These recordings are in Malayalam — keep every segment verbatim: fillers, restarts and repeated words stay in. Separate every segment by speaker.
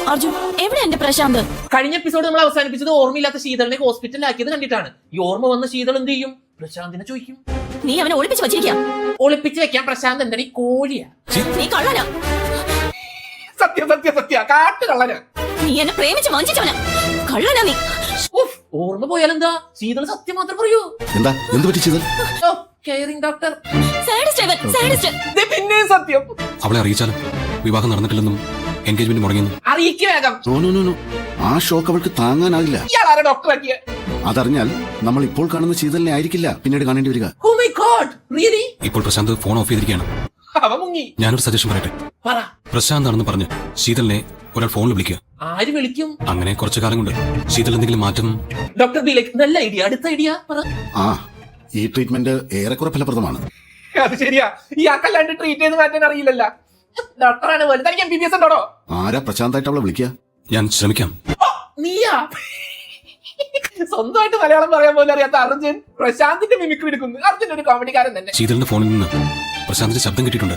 Speaker 1: അർജുൻ, എവിടെ എന്റെ പ്രശാന്ത്?
Speaker 2: കഴിഞ്ഞ എപ്പിസോഡ് നമ്മൾ അവസാനിപ്പിച്ചത് ഓർമ്മയില്ലാത്ത ശീതളിനെ ഹോസ്പിറ്റലിലാക്കിയത് കണ്ടിട്ടാണ്. ഈ ഓർമ്മ വന്ന ശീതൾ എന്ത് ചെയ്യും? പ്രശാന്തിനെ ചോദിക്കും.
Speaker 1: നീ അവനെ ഒളിപ്പിച്ച് വെച്ചിരിക്കാ.
Speaker 2: ഒളിപ്പിച്ച് വെക്കാൻ പ്രശാന്ത് എന്താണ്? ഈ കോഴിയാ.
Speaker 1: നീ കള്ളനാ.
Speaker 2: സത്യം സത്യം സത്യ കാട്ടു കള്ളനാ.
Speaker 1: നീ എന്നെ പ്രേമിച്ച് വഞ്ചിച്ചവനാ. കള്ളനാ നീ.
Speaker 2: ഓർമ്മ പോയാലെന്താ? ശീതൾ സത്യം മാത്രം പറയൂ.
Speaker 3: എന്താ എന്ത് പറ്റി ശീതൾ?
Speaker 2: Caring doctor. പിന്നെ സത്യം.
Speaker 3: അവളെ അറിയിച്ചാലും വിവാഹം നടന്നിട്ടില്ലെന്നും എൻഗേജ്മെന്റ് മുടങ്ങിയെന്നും
Speaker 2: അറിയിക്കാം.
Speaker 3: ആ ഷോക്ക് അവൾക്ക് താങ്ങാനാവില്ല.
Speaker 2: ഡോക്ടറാക്കിയ
Speaker 3: അതറിഞ്ഞാൽ നമ്മൾ ഇപ്പോൾ കാണുന്ന ശീതളിനെ ആയിരിക്കില്ല പിന്നീട് കാണേണ്ടി വരിക.
Speaker 2: Oh my God, really?
Speaker 3: ഇപ്പോൾ പ്രശാന്ത് ഫോൺ ഓഫ് ചെയ്തിരിക്കുകയാണ്. ഞാനൊരു സജഷൻ പറയട്ടെ. പ്രശാന്ത് ആണെന്ന് പറഞ്ഞ് ശീതളിനെ ഒരാൾ ഫോണിൽ വിളിക്കുക.
Speaker 2: ആര് വിളിക്കും?
Speaker 3: അങ്ങനെ കുറച്ചു കാലം കൊണ്ട് ശീതൾ എന്തെങ്കിലും മാറ്റം.
Speaker 2: ഡോക്ടർ നല്ല ഐഡിയ. അടുത്ത ഐഡിയ പറ.
Speaker 3: ആ ഈ ട്രീറ്റ്മെന്റ് ഏറെക്കുറെ ഫലപ്രദമാണ്.
Speaker 2: അത് ശരിയാ. ഈ ആക്കല്ലാണ്ട് ട്രീറ്റ് ചെയ്ത് മാറ്റാൻ അറിയില്ലല്ലോ. ഡോക്ടറാണ് പോലെ. തനിക്ക് എം ബി ബി എസ് ഉണ്ടോ?
Speaker 3: ആരാ പ്രശാന്തായിട്ട് അവളെ വിളിക്കുക? ഞാൻ ശ്രമിക്കാം.
Speaker 2: നീയാ? സ്വന്തമായിട്ട് മലയാളം പറയാൻ പോലും അറിയാത്ത അർജുൻ പ്രശാന്തിന്റെ മിമിക്രി എടുക്കുന്നു. അർജുൻ ഒരു കോമഡിക്കാരൻ തന്നെ.
Speaker 3: ശീതളിന്റെ ഫോണിൽ നിന്ന് പ്രശാന്തിന്റെ ശബ്ദം കിട്ടിയിട്ടുണ്ട്.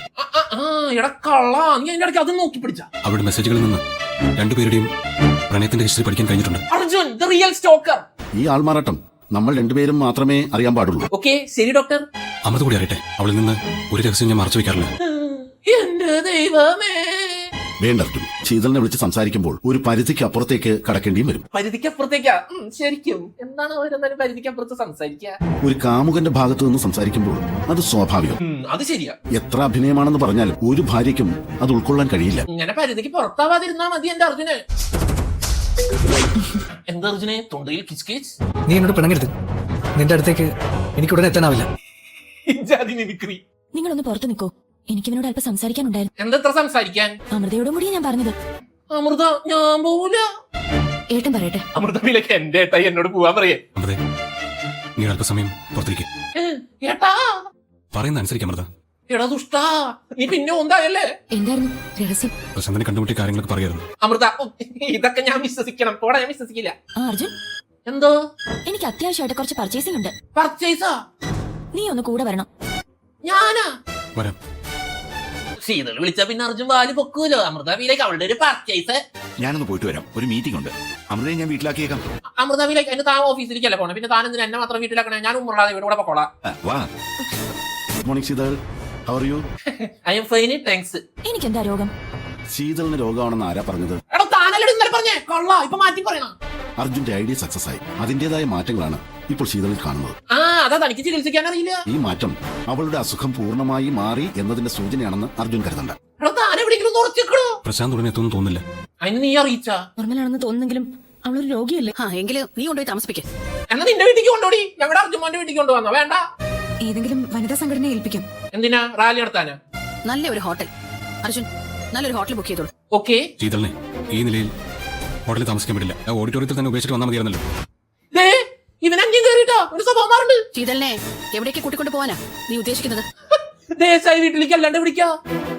Speaker 2: അത് നോക്കി പിടിച്ച
Speaker 3: അവരുടെ മെസ്സേജുകളിൽ നിന്ന് രണ്ടുപേരുടെയും പ്രണയത്തിന്റെ ഹിസ്റ്ററി പഠിക്കാൻ കഴിഞ്ഞിട്ടുണ്ട്.
Speaker 2: Arjun the real stalker.
Speaker 3: ഈ ആൾമാറാട്ടം നമ്മൾ രണ്ടുപേരും മാത്രമേ അറിയാൻ പാടുള്ളൂ.
Speaker 2: ഓക്കെ ശരി ഡോക്ടർ.
Speaker 3: അമൃത കൂടി അറിയട്ടെ. അവളിൽ നിന്ന് ഒരു രഹസ്യം ഞാൻ മറച്ചു വെക്കാറില്ല.
Speaker 2: എന്റെ ദൈവമേ.
Speaker 3: വേണ്ട അർജുൻ, ശീതളിനെ വിളിച്ച് സംസാരിക്കുമ്പോൾ ഒരു പരിധിക്ക് അപ്പുറത്തേക്ക് കടക്കേണ്ടിയും വരും.
Speaker 2: പരിധിക്കപ്പുറത്തേക്കാ? ശരിക്കും എന്താണ് അവരെന്തായാലും പരിധിക്കപ്പുറത്ത് സംസാരിക്കുക?
Speaker 3: ഒരു കാമുകന്റെ ഭാഗത്തു നിന്ന് സംസാരിക്കുമ്പോൾ അത് സ്വാഭാവികം.
Speaker 2: അത് ശരിയാ.
Speaker 3: എത്ര അഭിനയമാണെന്ന് പറഞ്ഞാൽ ഒരു ഭാര്യയ്ക്കും അത് ഉൾക്കൊള്ളാൻ കഴിയില്ല.
Speaker 2: ഇങ്ങനെ പരിധിക്ക് പുറത്താവാതിരുന്നാ മതി എന്റെ അർജുനെ. എന്താ അർജുനെ തൊണ്ടയിൽ കിച്ച് കിച്ച്?
Speaker 4: നീ എന്നോട് പിണങ്ങരുത്. നിന്റെ അടുത്തേക്ക് എനിക്ക് ഉടനെ എത്താനാവില്ല.
Speaker 1: നിങ്ങളൊന്ന് പുറത്തു നിൽക്കോ. എനിക്ക് ഇവനോട് അല്പം സംസാരിക്കാനുണ്ടായിരുന്നു.
Speaker 2: എന്താ സംസാരിക്കാൻ?
Speaker 1: അമൃതയോടും കൂടി ഞാൻ പറഞ്ഞത്.
Speaker 2: അമൃത ഞാൻ പോവില്ല.
Speaker 1: ഏട്ടൻ പറയട്ടെ.
Speaker 2: അമൃതയിലേക്ക് എന്റെ ഏട്ടായി എന്നോട് പോവാൻ പറയേ.
Speaker 3: നീ അല്പസമയം പുറത്തിരിക്കേ.
Speaker 2: ഏട്ടാ
Speaker 3: പറയുന്ന അനുസരിക്കാം അമൃത.
Speaker 2: എടാ ദുഷ്ടാ, നീ പിന്നെ ഒന്നായല്ലേ?
Speaker 1: എന്തായിരുന്നു രഹസ്യം?
Speaker 3: പ്രശാന്തിനെ കണ്ടുമുട്ടിയ കാര്യങ്ങളൊക്കെ പറയായിരുന്നു.
Speaker 2: അമൃത ഇതൊക്കെ ഞാൻ വിശ്വസിക്കണം. പോടാ, ഞാൻ വിശ്വസിക്കില്ല.
Speaker 1: അർജുൻ
Speaker 2: എന്തോ?
Speaker 1: എനിക്ക് അത്യാവശ്യമായിട്ട് കുറച്ച് പർച്ചേസിംഗ് ഉണ്ട്.
Speaker 2: പർച്ചേസാ?
Speaker 1: നീ ഒന്ന് കൂടെ വരണം.
Speaker 2: ഞാനാ
Speaker 3: വരാം.
Speaker 2: ശീതൾ വിളിച്ച പിന്നെ അർജുൻ വാല് പൊക്കൂലോ. അമൃത വീലേക്ക് അവളുടെ ഒരു പർച്ചേസ്.
Speaker 5: ഞാനൊന്ന് പോയിട്ട് വരാം. ഒരു മീറ്റിംഗ് ഉണ്ട്. അമൃതയെ ഞാൻ വീട്ടിലാക്കിയേക്കാം.
Speaker 2: അമൃത വീലേക്ക് എന്നെ താൻ ഓഫീസിലേക്കല്ലേ പോണേ. പിന്നെ താൻ എന്തിനാ എന്നെ മാത്രം വീട്ടിലാക്കണേ? ഞാൻ ഉമ്മറാതെ വീട് കൂടെ പൊക്കോളാം.
Speaker 5: വാ.
Speaker 3: Good morning Sheetal. How are you?
Speaker 2: I am fine, thanks.
Speaker 1: എനിക്ക് എന്താ രോഗം?
Speaker 3: ശീതളിന് രോഗമാണെന്ന് ആരാ പറഞ്ഞത്?
Speaker 2: എടാ താനല്ലേ ഇന്നലെ പറഞ്ഞേ? കൊള്ളാ, ഇപ്പൊ മാറ്റി പറയണം.
Speaker 3: അർജുന്റെ ഐഡിയ സക്സസ് ആയി. അതിന്റേതായ മാറ്റങ്ങളാണ് ഇപ്പോൾ ശീതളിൽ കാണുന്നത്.
Speaker 2: ആ അതാ തനിക്ക് ചികിത്സിക്കാൻ അറിയില്ല.
Speaker 3: ഈ മാറ്റം അവളുടെ അസുഖം പൂർണ്ണമായി മാറി എന്നതിന്റെ സൂചനയാണെന്ന് അർജുൻ കരുതണ്ട. പ്രശാന്ത് ഉടനെ എത്തുമെന്ന് തോന്നില്ല.
Speaker 2: അതിന് നീ അറിയിച്ചാ?
Speaker 1: നോർമലാണെന്ന് തോന്നുന്നെങ്കിലും അവളൊരു രോഗിയല്ലേ.
Speaker 6: എങ്കിലും നീ കൊണ്ടുപോയി താമസിപ്പിക്കേ.
Speaker 2: എന്നാ നിന്റെ വീട്ടിലേക്ക് കൊണ്ടോടി. ഞങ്ങളുടെ അർജുമാന്റെ വീട്ടിലേക്ക് കൊണ്ടുവന്നോ? വേണ്ട,
Speaker 1: ഏതെങ്കിലും വനിതാ സംഘടനയെ ഏൽപ്പിക്കാം.
Speaker 2: എന്തിനാ? റാലി നടത്താനാ?
Speaker 6: നല്ല ഒരു ഹോട്ടൽ. അർജുൻ നല്ലൊരു ഹോട്ടൽ ബുക്ക് ചെയ്തോളൂ.
Speaker 2: ഓക്കെ.
Speaker 3: ശീതളിനെ ഈ നിലയിൽ ഹോട്ടലിൽ താമസിക്കാൻ പറ്റില്ല. ഓഡിറ്റോറിയത്തിൽ തന്നെ ഉപേക്ഷിച്ചിട്ട് വന്നാൽ മതിയായിരുന്നല്ലോ.
Speaker 2: ഇവൻ അഞ്ചും കയറിട്ടോ ഒരു സ്വഭാവം മാറുണ്ട്.
Speaker 6: ശീതളിനെ എവിടേക്ക് കൂട്ടിക്കൊണ്ട് പോവാനാ നീ ഉദ്ദേശിക്കുന്നത്?
Speaker 2: ദേശായി വീട്ടിലേക്ക് അല്ലാണ്ട് വിളിക്കാ.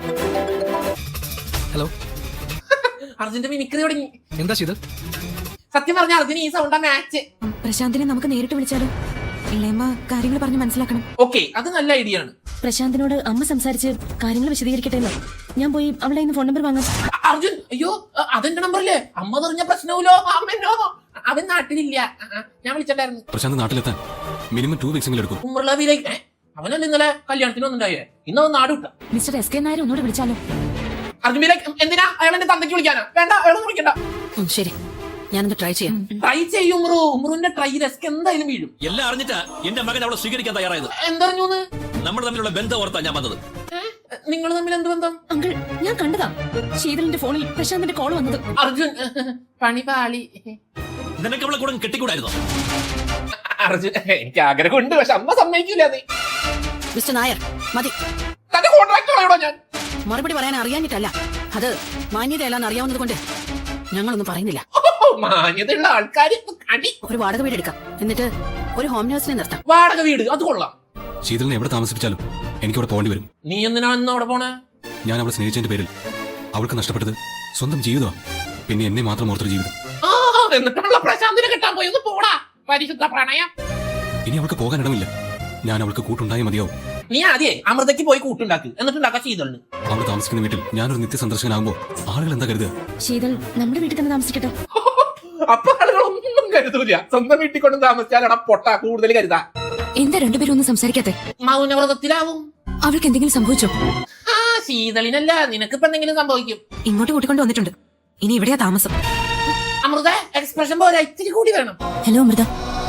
Speaker 4: ഹലോ.
Speaker 2: അർജുന്റെ മിമിക്രി തുടങ്ങി.
Speaker 4: എന്താ ശീതൾ?
Speaker 2: സത്യം പറഞ്ഞ അർജുൻ ഈ സൗണ്ടാ മാച്ച്.
Speaker 1: പ്രശാന്തിനെ നമുക്ക് നേരിട്ട് വിളിച്ചാലോ? ഇളയമ്മ കാര്യങ്ങൾ പറഞ്ഞ് മനസ്സിലാക്കണം.
Speaker 2: ഓക്കെ, അത് നല്ല ഐഡിയ ആണ്.
Speaker 1: പ്രശാന്തിനോട് അമ്മ സംസാരിച്ച് കാര്യങ്ങൾ വിശദീകരിക്കട്ടെ. ഞാൻ പോയി അവളുടെ ഫോൺ നമ്പർ വാങ്ങാം.
Speaker 2: അർജുൻ അയ്യോ, അതെന്റെ നമ്പറല്ലേ? അമ്മ പറഞ്ഞ പ്രശ്നവുമല്ലോ. അമ്മനോ, അവൻ നാട്ടിലില്ല. ഞാൻ വിളിച്ചിട്ടുണ്ടായിരുന്നു.
Speaker 3: പ്രശാന്ത് നാട്ടിലെത്താൻ മിനിമം ടു വീക്സ് എടുക്കും.
Speaker 2: ഉമ്മർലാവിലേക്ക് അവനല്ല ഇന്നലെ കല്യാണത്തിന് ഒന്നുണ്ടായേ. ഇന്ന് അവൻ നാട് വിട്ടാ.
Speaker 1: മിസ്റ്റർ എസ് കെ നായർ ഒന്നുകൂടെ വിളിച്ചാലോ?
Speaker 2: അർജുൻ എന്തിനാ അയാൾ എന്റെ തന്തയ്ക്ക് വിളിക്കാനാ? വേണ്ട, അയാളൊന്നും വിളിക്കണ്ട.
Speaker 6: ശരി, ഞാനൊന്ന് ട്രൈ ചെയ്യാം.
Speaker 2: ട്രൈ ചെയ്യും ഉമ്രു. ഉമ്രുവിന്റെ ട്രൈ റിസ്ക് എന്തായാലും വീഴും.
Speaker 7: എല്ലാം അറിഞ്ഞിട്ടാ എന്റെ മകൻ അവളെ സ്വീകരിക്കാൻ തയ്യാറായത്.
Speaker 2: എന്തറിഞ്ഞു?
Speaker 7: നമ്മൾ തമ്മിലുള്ള ബന്ധം ഓർത്താ ഞാൻ വന്നത്.
Speaker 2: നിങ്ങൾ തമ്മിൽ എന്ത് ബന്ധം?
Speaker 1: അങ്കിൾ, ഞാൻ കണ്ടതാ ശീതളിന്റെ ഫോണിൽ പ്രശാന്തിന്റെ കോൾ വന്നത്.
Speaker 2: അർജുൻ പണി പാളി.
Speaker 7: നിനക്ക് അവളെ കൂടെ കെട്ടിക്കൂടായിരുന്നോ?
Speaker 2: അർജുൻ എനിക്ക് ആഗ്രഹമുണ്ട്, പക്ഷെ അമ്മ സമ്മതിക്കില്ല. നീ
Speaker 6: മിസ്റ്റർ നായർ മതി.
Speaker 2: തന്റെ കോൺട്രാക്ടറാണോ ഞാൻ?
Speaker 6: മറുപടി പറയാൻ അറിയാഞ്ഞിട്ടല്ല, അത് മാന്യതയല്ലാന്ന് അറിയാവുന്നത് കൊണ്ട് ഞങ്ങളൊന്നും പറയുന്നില്ല.
Speaker 2: മാന്യതയുള്ള ആൾക്കാർ
Speaker 6: ഒരു വാടക വീട് എടുക്കാം. എന്നിട്ട് ഒരു ഹോം നഴ്സിനെ നിർത്താം.
Speaker 2: വാടക വീട്? അത് കൊള്ളാം.
Speaker 3: ശീതളിനെ എവിടെ താമസിപ്പിച്ചാലും എനിക്ക് അവിടെ പോകേണ്ടി വരും.
Speaker 2: നീ എന്തിനാണ് അവിടെ പോണേ?
Speaker 3: ഞാൻ അവളെ സ്നേഹിച്ചതിന്റെ പേരിൽ അവൾക്ക് നഷ്ടപ്പെട്ടത് സ്വന്തം ജീവിതമാണ്. പിന്നെ എന്നെ മാത്രം ഓർത്തൊരു ജീവിതം.
Speaker 2: എന്നിട്ടുള്ള പ്രശാന്തിനെ കിട്ടാൻ പോയി. ഒന്ന് പോടാ, പരിശുദ്ധ പ്രണയം.
Speaker 3: ഇനി അവൾക്ക് പോകാൻ ഇടമില്ല. ഞാൻ അവൾക്ക് കൂട്ടുണ്ടായി മതിയാവും.
Speaker 2: നീ ആദ്യേ അമൃതയ്ക്ക് പോയി കൂട്ടുണ്ടാക്ക് എന്നിട്ടുണ്ടാക്കാം ശീതളിന്.
Speaker 8: അവിടെ താമസിക്കുന്ന വീട്ടിൽ ഞാനൊരു നിത്യ സന്ദർശകനാകുമ്പോ ആളുകൾ എന്താ കരുതുക?
Speaker 1: ശീതൾ നമ്മുടെ വീട്ടിൽ തന്നെ താമസിക്കട്ടെ.
Speaker 2: അപ്പൊ ആളുകളൊന്നും കരുതൂല. സ്വന്തം വീട്ടിൽ കൊണ്ട് താമസിച്ചാലടാ പൊട്ട കൂടുതൽ കരുതാ.
Speaker 1: എന്താ രണ്ടുപേരും ഒന്നും സംസാരിക്കാത്തെ?
Speaker 2: മൗനവ്രതത്തിലാവും.
Speaker 1: അവൾക്ക് എന്തെങ്കിലും സംഭവിച്ചോ?
Speaker 2: ആ ശീതളിനല്ല, നിനക്കിപ്പോ എന്തെങ്കിലും സംഭവിക്കും.
Speaker 1: ഇങ്ങോട്ട് കൂട്ടിക്കൊണ്ട് വന്നിട്ടുണ്ട്. ഇനി ഇവിടെയാ താമസം.
Speaker 2: അമൃത എക്സ്പ്രഷൻ പോലെ ഇത്തിരി കൂടി വേണം.
Speaker 1: ഹലോ അമൃത.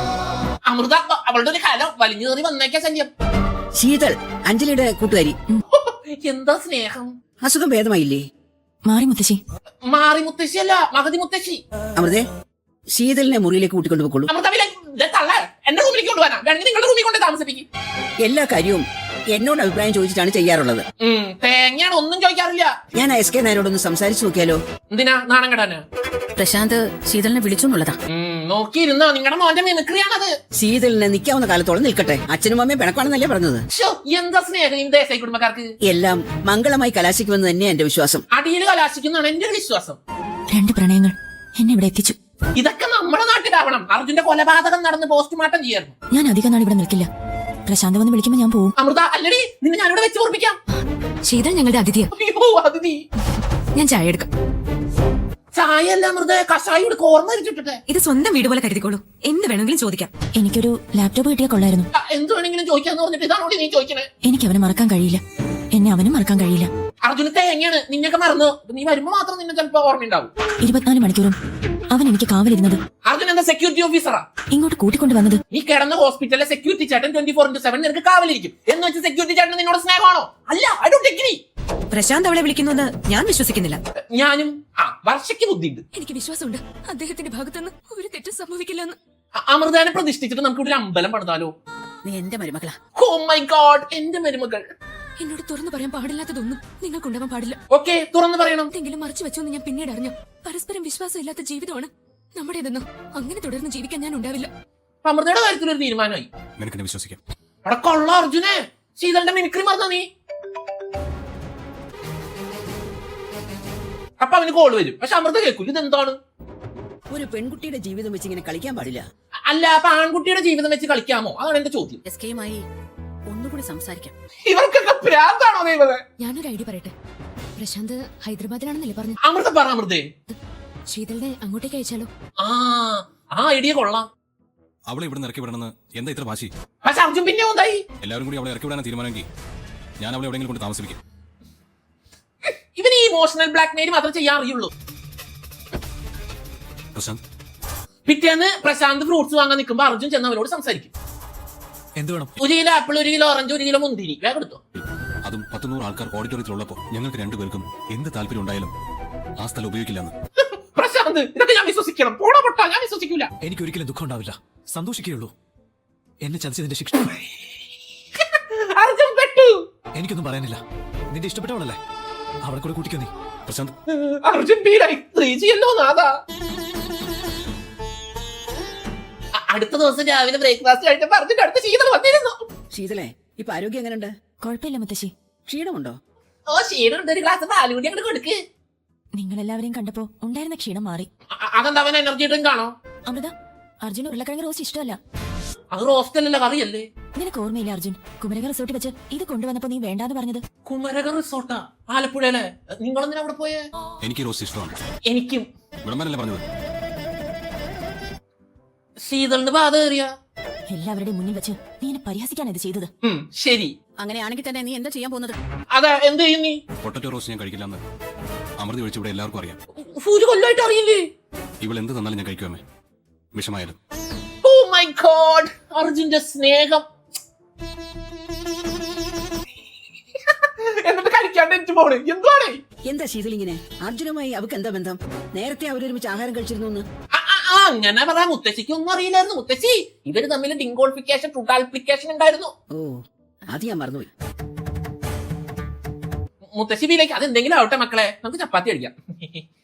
Speaker 2: അമൃത അവളുടെ ഒരു കലം വലിഞ്ഞു കയറി വന്നേക്കാ ശല്യം.
Speaker 9: ശീതൾ അഞ്ജലിയുടെ കൂട്ടുകാരി.
Speaker 2: എന്താ സ്നേഹം.
Speaker 9: അസുഖം ഭേദമായില്ലേ?
Speaker 1: മാറി മുത്തശ്ശി.
Speaker 2: മാറി മുത്തശ്ശിയല്ല, മകതി മുത്തശ്ശി.
Speaker 9: അമൃതേ, ശീതളിനെ മുറിയിലേക്ക് കൂട്ടിക്കൊണ്ടു പോയിക്കോളൂ.
Speaker 2: അമൃത തള്ള എന്റെ റൂമിലേക്ക് കൊണ്ടുപോകാനാ, വേണമെങ്കിൽ നിങ്ങളുടെ റൂമിൽ കൊണ്ട് താമസിപ്പിക്കും.
Speaker 9: എല്ലാ കാര്യവും എന്നോട് അഭിപ്രായം ചോദിച്ചിട്ടാണ് ചെയ്യാറുള്ളത്.
Speaker 2: തേങ്ങയാണ്, ഒന്നും ചോദിക്കാറില്ല.
Speaker 9: ഞാൻ എസ് കെ നായരോടൊന്ന് സംസാരിച്ചു നോക്കിയാലോ?
Speaker 2: എന്തിനാ നാണം കെടാന്?
Speaker 6: പ്രശാന്ത് ശീതളിനെ വിളിച്ചു എന്നുള്ളതാ.
Speaker 2: നോക്കിയിരുന്നോ, നിങ്ങളുടെ മോന്റെ മിമിക്രിയാണത്.
Speaker 9: ശീതളിനെ നിൽക്കാവുന്ന കാലത്തോളം നിൽക്കട്ടെ. അച്ഛനും അമ്മയും പിണക്കാണെന്നല്ലേ പറഞ്ഞത്?
Speaker 2: എന്താ സ്നേഹം ഈ ദേശായി കുടുംബക്കാർക്ക്.
Speaker 9: എല്ലാം മംഗളമായി കലാശിക്കുമെന്ന് തന്നെയാ എന്റെ വിശ്വാസം.
Speaker 2: അടിയിൽ കലാശിക്കുന്നതാണ് എന്റെ ഒരു വിശ്വാസം.
Speaker 1: രണ്ട് പ്രണയങ്ങൾ എന്നെ ഇവിടെ എത്തിച്ചു.
Speaker 2: ഇതൊക്കെ നമ്മുടെ നാട്ടിലാവണം. അർജുന്റെ കൊലപാതകം നടന്ന് പോസ്റ്റ്മോർട്ടം ചെയ്യായിരുന്നു.
Speaker 1: ഞാൻ അധികം നാൾ ഇവിടെ നിൽക്കില്ല. പ്രശാന്ത് വന്ന് വിളിക്കുമ്പോ ഞാൻ പോവും.
Speaker 2: അമൃത അല്ലടി, നിന്നെ ഞാനിവിടെ വെച്ച് ഓർപ്പിക്കാം.
Speaker 1: ശീതൾ ഞങ്ങളുടെ അതിഥിയാ.
Speaker 2: അയ്യോ അതിഥി.
Speaker 1: ഞാൻ ചായ എടുക്കാം.
Speaker 2: ചായ അല്ല അമൃത, കഷായം എടുക്ക. ഓർമ്മ വെച്ചിട്ടെ.
Speaker 1: ഇത് സ്വന്തം വീട് പോലെ കരുതിക്കോളൂ. എന്ത് വേണമെങ്കിലും ചോദിക്കാം. എനിക്കൊരു ലാപ്ടോപ്പ് കിട്ടിയാൽ കൊള്ളായിരുന്നു.
Speaker 2: എന്ത് വേണമെങ്കിലും ചോദിക്കാന്ന് പറഞ്ഞിട്ട് ഇതാണോടി നീ ചോദിക്കണേ?
Speaker 1: എനിക്ക് അവനെ മറക്കാൻ കഴിയില്ല. എന്നെ അവനും മറക്കാൻ കഴിയില്ല.
Speaker 2: അർജുന തേങ്ങയാണ്, നിന്നൊക്കെ മറന്നു. നീ വരുമ്പോ മാത്രം നിന്നെ ചിലപ്പോ ഓർമ്മയുണ്ടാവും.
Speaker 1: ഇരുപത്തിനാല് മണിക്കൂറും അവൻ എനിക്ക് കാവലിരുന്നത്.
Speaker 2: അർജുൻ എന്താ സെക്യൂരിറ്റി ഓഫീസറാ?
Speaker 1: ഇങ്ങോട്ട് കൂട്ടിക്കൊണ്ട് വന്നത്.
Speaker 2: നീ കിടന്ന ഹോസ്പിറ്റലിലെ സെക്യൂരിറ്റി ചേട്ടൻ ട്വന്റി ഫോർ ഇന്റു സെവൻ നിനക്ക് കാവലിരിക്കും എന്ന് വെച്ച് സെക്യൂരിറ്റി ചേട്ടൻ നിന്നോട് സ്നേഹമാണോ? അല്ല, ഐ ഡോണ്ട് അഗ്രി.
Speaker 1: പ്രശാന്ത് അവളെ വിളിക്കുന്നു ഞാൻ വിശ്വസിക്കുന്നില്ല.
Speaker 2: ഞാനും ആ വർഷയ്ക്ക് ബുദ്ധിയുണ്ട്.
Speaker 1: എനിക്ക് വിശ്വാസമുണ്ട് അദ്ദേഹത്തിന്റെ ഭാഗത്തുനിന്ന് ഒരു തെറ്റും സംഭവിക്കില്ലെന്ന്.
Speaker 2: അമൃതാനെ പ്രതിഷ്ഠിച്ചിട്ട് നമുക്ക് ഇവിടെ അമ്പലം പണിതാലോ?
Speaker 6: നീ എന്റെ മരുമകളാ.
Speaker 2: ഓ മൈ ഗോഡ്, എന്റെ മരുമകൾ.
Speaker 1: എന്നോട് തുറന്നു പറയാൻ പാടില്ലാത്തതൊന്നും നിങ്ങൾക്കുണ്ടാവാൻ പാടില്ല.
Speaker 2: ഓക്കെ, തുറന്നു പറയണം.
Speaker 1: എന്തെങ്കിലും മറച്ചു വെച്ചോന്ന് ഞാൻ പിന്നീട് അറിഞ്ഞു. പരസ്പരം വിശ്വാസം ഇല്ലാത്ത ജീവിതമാണ് നമ്മുടേതെന്നും അങ്ങനെ തുടർന്ന് ജീവിക്കാൻ ഞാൻ ഉണ്ടാവില്ല.
Speaker 2: അമൃതയുടെ കാര്യത്തിൽ ഒരു തീരുമാനമായി.
Speaker 8: നിനക്കെന്നെ വിശ്വസിക്കാം.
Speaker 2: അവിടെ കൊള്ള അർജുനെ, ശീതളിന്റെ മിമിക്രി മറന്ന നീ. അപ്പൊ അവന് കോൾ വരും, പക്ഷെ അമൃത കേൾക്കൂല. ഇതെന്താണ്?
Speaker 9: ഒരു പെൺകുട്ടിയുടെ ജീവിതം വെച്ച് ഇങ്ങനെ കളിക്കാൻ പാടില്ല.
Speaker 2: അല്ല, അപ്പൊ ആൺകുട്ടിയുടെ ജീവിതം വെച്ച് കളിക്കാമോ? അതാണ് എന്റെ ചോദ്യം.
Speaker 6: എസ് കെയുമായി ഒന്നുകൂടി സംസാരിക്കാം.
Speaker 2: ഇവർക്കൊക്കെ ഭ്രാന്താണോ ദൈവമേ?
Speaker 1: ഞാനൊരു ഐഡിയ പറയട്ടെ. പ്രശാന്ത് ഹൈദരാബാദിലാണെന്നല്ലേ പറഞ്ഞു?
Speaker 2: അമൃത പറ അമൃതേ.
Speaker 1: ശീതളിനെ അങ്ങോട്ടേക്ക് അയച്ചാലോ?
Speaker 2: ആ ആ ഐഡിയ കൊള്ളാം.
Speaker 8: അവളെ ഇവിടെ ഇറക്കി വിടണമെന്ന് എന്താ ഇത്ര വാശി?
Speaker 2: പക്ഷെ അർജുൻ പിന്നെ എന്തായി?
Speaker 8: എല്ലാവരും കൂടി അവളെ ഇറക്കി വിടാൻ തീരുമാനമെങ്കിൽ ഞാൻ അവളെ എവിടെയെങ്കിലും കൊണ്ട് താമസിപ്പിക്കും.
Speaker 2: ഇവന് ഈ ഇമോഷണൽ ബ്ലാക്ക് മെയിൽ മാത്രം ചെയ്യാൻ അറിയുള്ളൂ.
Speaker 8: പ്രശാന്ത്,
Speaker 2: പിറ്റേന്ന് പ്രശാന്ത് ഫ്രൂട്ട്സ് വാങ്ങാൻ നിൽക്കുമ്പോ അർജുൻ ചെന്ന് അവനോട് സംസാരിക്കും.
Speaker 4: എന്ത് വേണം?
Speaker 2: ഒരു കിലോ ആപ്പിൾ, ഒരു കിലോ ഓറഞ്ച്, ഒരു കിലോ മുന്തിരി വേഗം എടുത്തോ.
Speaker 8: അതും പത്തുനൂറ് ആൾക്കാർ ഓഡിറ്റോറിയത്തിലുള്ളപ്പോ ഞങ്ങൾക്ക് രണ്ടുപേർക്കും എന്ത് താല്പര്യം ഉണ്ടായാലും ആ സ്ഥലം ഉപയോഗിക്കില്ലെന്ന്.
Speaker 2: പ്രശാന്ത്, ഇതൊക്കെ ഞാൻ വിശ്വസിക്കണം? പോടാ പൊട്ടാ, ഞാൻ വിശ്വസിക്കൂല.
Speaker 4: എനിക്ക് ഒരിക്കലും ദുഃഖം ഉണ്ടാവില്ല, സന്തോഷിക്കുകയുള്ളൂ. എന്നെ ചതിച്ചതിന്റെ ശിക്ഷ
Speaker 2: അർജുൻ പെട്ടു.
Speaker 4: എനിക്കൊന്നും പറയാനില്ല. നിന്റെ ഇഷ്ടപ്പെട്ടവളല്ലേ, അവളെ കൂടെ കൂട്ടിക്കോ നീ.
Speaker 8: പ്രശാന്ത്,
Speaker 2: അർജുൻ ബീരായി ത്രീ ജി അല്ലോ നാദാ. അടുത്ത ദിവസം രാവിലെ ബ്രേക്ക്ഫാസ്റ്റ് കഴിച്ചപ്പോ അർജുൻ അടുത്ത ശീതൾ വന്നിരുന്നു.
Speaker 9: ശീതളെ, ഇപ്പൊ ആരോഗ്യം എങ്ങനെയുണ്ട്?
Speaker 1: കുഴപ്പമില്ല മുത്തശ്ശി.
Speaker 9: ക്ഷീണമുണ്ടോ?
Speaker 2: ഓ ക്ഷീണമുണ്ട്, ഒരു ഗ്ലാസ് പാല് കൂടി അങ്ങോട്ട് കൊടുക്ക്.
Speaker 1: നിങ്ങളെല്ലാവരെയും കണ്ടപ്പോ ഉണ്ടായിരുന്ന ക്ഷീണം മാറി.
Speaker 2: അ- അതെന്താ അവൻ എനർജി ഡ്രിങ്ക് ആണോ?
Speaker 1: അമൃത, അർജുൻ ഉരുളക്കിഴങ്ങ് റോസ്റ്റ് ഇഷ്ടമല്ല.
Speaker 2: അത് റോസ്റ്റല്ലല്ലോ, കറിയല്ലേ.
Speaker 1: നിനക്ക് ഓർമ്മയില്ല അർജുൻ കുമരക റിസോർട്ടിൽ വെച്ച് ഇത് കൊണ്ടുവന്നപ്പോ നീ വേണ്ടാന്ന് പറഞ്ഞത്?
Speaker 2: കുമരക റിസോർട്ടാ ആലപ്പുഴയിലെ. നിങ്ങളെന്തിനാ അവിടെ പോയേ?
Speaker 8: എനിക്ക് റോസ്റ്റ് ഇഷ്ടമാണ്.
Speaker 2: എനിക്കും.
Speaker 8: വിളംബരല്ലേ പറഞ്ഞത്?
Speaker 2: ശീതളിന് ബാധ കയറിയ
Speaker 1: എല്ലാവരുടെയും മുന്നിൽ വെച്ച് നീ എന്നെ പരിഹസിക്കാണ് ഇത് ചെയ്തത്.
Speaker 2: ശരി,
Speaker 6: അങ്ങനെയാണെങ്കിൽ തന്നെ നീ എന്താ ചെയ്യാൻ പോകുന്നത്?
Speaker 2: അതാ എന്ത് ചെയ്യും നീ?
Speaker 8: പൊട്ടറ്റോ റോസ്റ്റ് ഞാൻ കഴിക്കില്ലെന്ന് അമൃത ഒഴിച്ച് ഇവിടെ എല്ലാവർക്കും അറിയാം.
Speaker 2: ഒരു കൊല്ലമായിട്ട് അറിയില്ലേ?
Speaker 8: ഇവൾ എന്ത് തന്നാലും ഞാൻ കഴിക്കുമേ, വിഷമായാലും.
Speaker 2: ഓ മൈ ഗോഡ്, അർജുന്റെ സ്നേഹം. എന്നിട്ട് കഴിക്കാണ്ട് എനിക്ക് പോണ് എന്താണ്?
Speaker 9: എന്താ ശീതൾ ഇങ്ങനെ? അർജുനുമായി അവക്ക് എന്താ ബന്ധം? നേരത്തെ അവരൊരുമിച്ച് ആഹാരം കഴിച്ചിരുന്നു.
Speaker 2: അങ്ങനെ പറയാം. മുത്തശ്ശിക്ക് ഒന്നും അറിയില്ലായിരുന്നു. മുത്തശ്ശി ഇവര് തമ്മിൽ ഡിങ്കോൾഫിക്കേഷൻ, ട്രൂട്ടാൾഫിക്കേഷൻ ഉണ്ടായിരുന്നു.
Speaker 9: ഓ, അത് ഞാൻ മറന്നുപോയി.
Speaker 2: മുത്തശ്ശി വീലേക്ക് അതെന്തെങ്കിലും ആവട്ടെ മക്കളെ, നമുക്ക് ചപ്പാത്തി അടിക്കാം.